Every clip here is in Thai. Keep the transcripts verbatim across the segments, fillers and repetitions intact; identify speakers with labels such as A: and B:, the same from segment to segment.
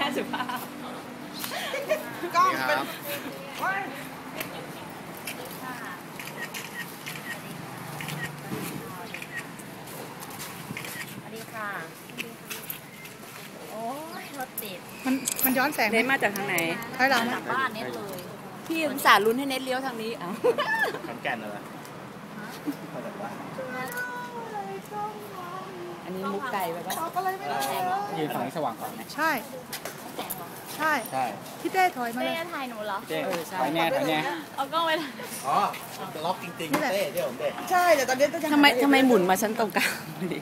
A: ม่สุภาพ
B: กล้องเป็น
C: โอ้ยรถติด
B: มันมันย้อนแสง
A: เน็ตมาจากทางไหน
B: ถอยหลัง
C: จากบ้านเน็ตเลย
A: พี่อุตส่าห์ลุ้นให้เน็ตเลี้ยวทางนี้อ้าว
D: ขอนแก่นเหรอ
A: อันนี้มุกไก่แบบว่า
D: ยืนฝั่งนี้สว่างก่อนไหม
B: ใช่ใช่ใช่พี่เต้ถอยมาเลย
C: เต้ถ่ายหนูเหรอ
D: เต้ถอยแน่ถอยแน่
C: เอากล้องไป
D: อ๋อล็อกจริงๆเต้เดี๋ยวผมเต้
B: ใช่แต่ตอนนี้
A: ทำไมทำไมหมุนมาชั้นตรงกลางดิ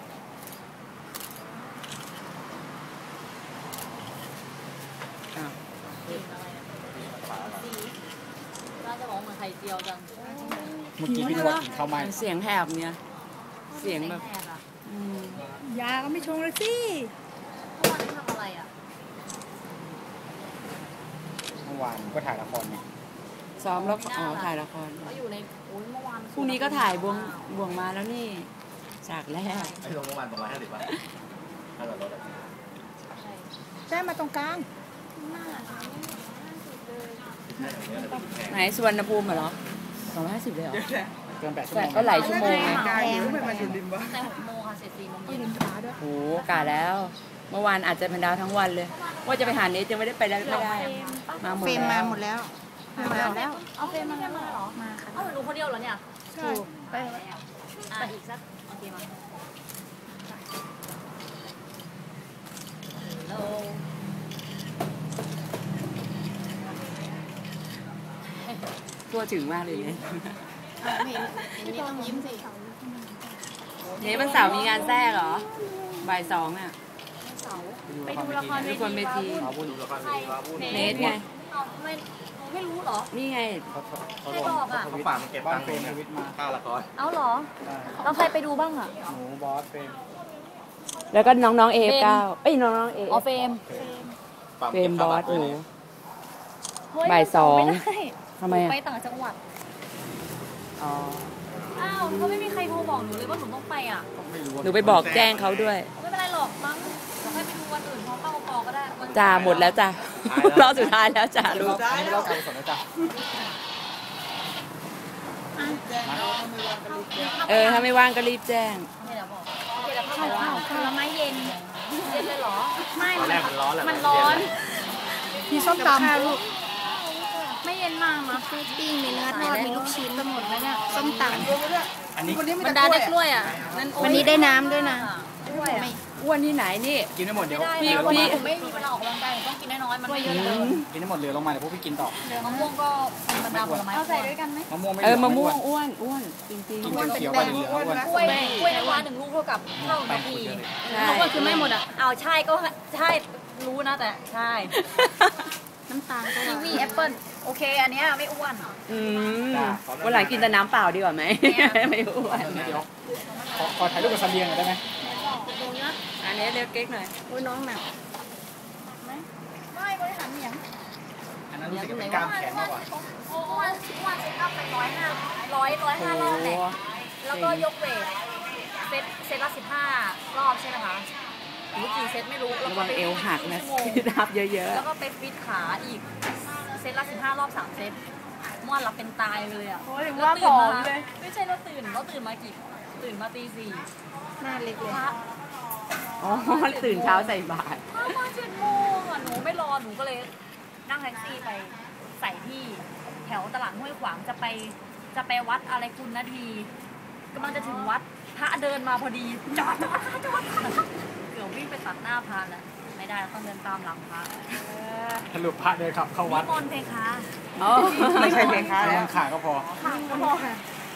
C: น่าจะบอกเหมือนไข่เจียวจัง
D: เมื่อกี้พี่นวัดเข้ามา
A: เสียงแหบเนี่ยเสียงแบบ
B: ยาก็ไม่ชงเลยสิ
C: เมื่อวานทำอะไรอ่ะ
D: เมื่อวานก็ถ่ายละครไง
A: ซ้อมแล้วอ๋อถ่ายละคร
C: ก็อยู่ในโอ้ยเมื่อวาน
A: พรุ่งนี้ก็ถ่ายบวงบวงมาแล้วนี่จากแรก
D: ไอ้ลงเมื่อวานประมาณห้าสิบป่ะห้าสิบรถ
B: ใช่มาตรงกลาง
A: ไหนสุวรรณภูมิเหรอสองร้อยห้าสิบเลยเหรอ
D: เกินแปดชั่วโมง
A: ก็หลายชั่วโมง
B: ไงแต่หก
C: โมงค่ะเสร็จสี่โมงเย็น
A: โอ้กาแล้วเมื่อวานอาจจะเป็นดาวทั้งวันเลยว่าจะไปหาเนทยังไม่ได้ไปได้ไม่ได้
B: มาหมดแล้วมาหมดแล้ว
C: มาแล้วเอาเฟรมมาแล้วเหรอมาค่ะเอาหนูคนเดียวเหรอเนี่ย
B: ใช่
C: ไปอ่ะอีกสักโอเคมาฮัลโหล
A: ตัวถึงมากเลยเนี่ย
C: นี่ต้องยิ้มสิ
A: เนทวันเสาร์มีงานแทรกเหรอบ่ายสองอ่ะ
C: ไปดูละคร
A: เวทีเนทไง
C: ไม่ไม่รู้เหรอ
A: นี่ไง
C: ใครบอกอ่ะ
D: เขาฝากมาเก็บตังค์เป็นชีวิตมาค่าละคร
C: เอาเหรอเราใครไปดูบ้างอ่ะ
D: หนูบอสเป็น
A: แล้วก็น้องน้องเอฟเก้าเอ้ยน้องน้องเอ
C: อ๋อเฟม
A: เฟมบอสหนูบ่ายสองทำไมอ่ะ
C: ไปต่างจังหวัด
A: อ๋อ
C: อ้าวเขาไม่มีใครโทรบอกหนูเลยว่าหนูต้องไปอ่ะ
A: หนูไปบอกแจ้งเขาด้วย
C: ไม่เป็นไรหรอกมั้งเราให้ไปดูวันอื่นพอเข้าพอก็ได้
A: จ่าหมดแล้วจ้ะรอบสุดท้ายแล้วจ่าลูก
D: อันนี้เราการกุศลนะจ๊ะ
A: เออถ้าไม่ว่างก็รีบแจ้ง
C: เดี๋ยวบอกเดี๋ยวเข้าเข้าผลไม้เย็นเย็นเลยเหรอไม่
D: ตอนแรกมันร้อนแหละ
C: มันร้อน
B: มีส้มตำลูก
C: ไม่เย็นมากนะมีปิ้งมีเนื้อทอดมีลูกชิ้นทั้งหมดเลยเนี่ยส้มตำ
D: อันนี้
C: บรรดาได้กล้วยอ่ะวันนี้ได้น้ำด้วยนะ
A: ไม่อ้วนที่ไหนนี่
D: กินได้หมดเดี๋ยว
A: พี่
C: พี่ผมไม่มีเวลาออกกำลังกายผมต้องกินน้อยๆมันไม่เยอะเลย
D: กินได้หมดเหลือลงมาเดี๋ยวพวกพี่กินต่อ
C: เหลือมะม่วงก็บรรดาผลไม้เอาใส่ด้วยกันไหม
D: มะม่วงไม่
A: เออมะม่วงอ้วนอ้วนจริง
D: ๆกินเขียวไปเหลืออ้วน
C: กล้วยกล้วยน้ำว้าหนึ่งลูกเท่ากับเท่านาทีลูกก็คือไม่หมดอ่ะเอาใช่ก็ใช่รู้นะแต่ใช่น้ำตาลก็มีแอปเปิ้ลโอเคอันนี้ไม่อ้วน
A: อืมวันหลังกินแต่น้ำเปล่าดีกว่าไหมไม่อ้วน
D: เดี๋ยวขอถ่ายรูปกับซันเดียงหน่อยได้ไหม
A: อันนี้เรียกเก๊กหน่อย
C: โอ้ยน้องหนักไหมไม่บริหารเหนียง
D: อันนั้นรู้สึกเป็นกล้ามแขนมากกว่า
C: โอ้วันวันเซ็ตอัพไปร้อยห้าร้อยร้อยห้ารอบเลยแล้วก็ยกเวทเซตเซตละสิบห้ารอบใช่ไหมคะหรือกี่เซตไม่รู้
A: แล้วก็เอวหักนะทับเยอะๆ
C: แล้วก็ไปฟิตขาอีกเซตละสิบห้ารอบสามเซตม้วนหลับเป็นตายเลยอ่ะ
B: ว่าผอมเลย
C: ไม่ใช่เราตื่นเราตื่นมากี่ตื่นมาตีสี่
B: หน้าเล็กเลย
A: อ๋อตื่นเช้าใส่บาตร
C: มาเจ็ดโมงอ่ะหนูไม่รอหนูก็เลยนั่งแท็กซี่ไปใส่ที่แถวตลาดห้วยขวางจะไปจะไปวัดอะไรคุณนาทีกำลังจะถึงวัดพระเดินมาพอดีจอดจอดจอดเกือบวิ่งไปตัดหน้าพระแล้วไม่ได้ต้องเดินตามหลังพระ
D: สรุปพระเดินขับเข้าวัด
C: นิมนต์เพคะ
D: ไม่ใช่เพคะแล้วขาก็พอ
C: ขาก็พอค่ะ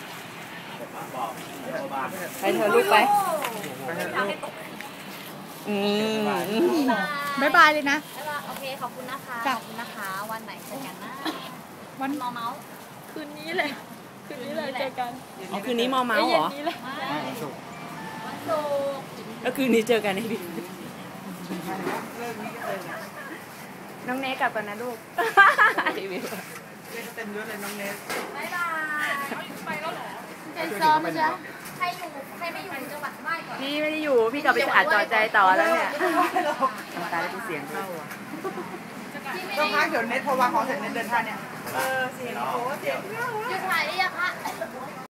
A: ไปเธอลูกไปอืม
B: บ๊ายบายเลยนะ
C: โอเคขอบคุณนะคะขอบคุณนะคะวันไหนเจอกันนะ
B: วัน
C: มอเมาส์คืนนี้เลยคืนนี้เลยเจอกัน
A: อ๋อคืนนี้มอเมาส์เหรอ
D: วันศุกร์
C: วันศุกร์
A: แล้วคืนนี้เจอกันให้ดีน้องเนสกลับก่อนนะลูก
B: เต็มเยอะเลยน้องเนส
C: บ๊ายบายไปแล้วเหรอ
B: ใจซ้อมจ้ะ
C: ใครอยู่ใครไม่อยู่จังหวัดใต้ก่อน
A: พี่ไม่ได้อยู่พี่กลับไปอ่านต่อใจต่อแล้วเนี่ยทำตาแล้วกูเสียงเข้าอ่ะ
B: ต้องพักเดี๋ยวเน็ตพอวางของเสร็จเน็ตเดินทางเนี่ย เออเสียงโอ้เสียง
C: หยุดถ่ายได้ยังคะ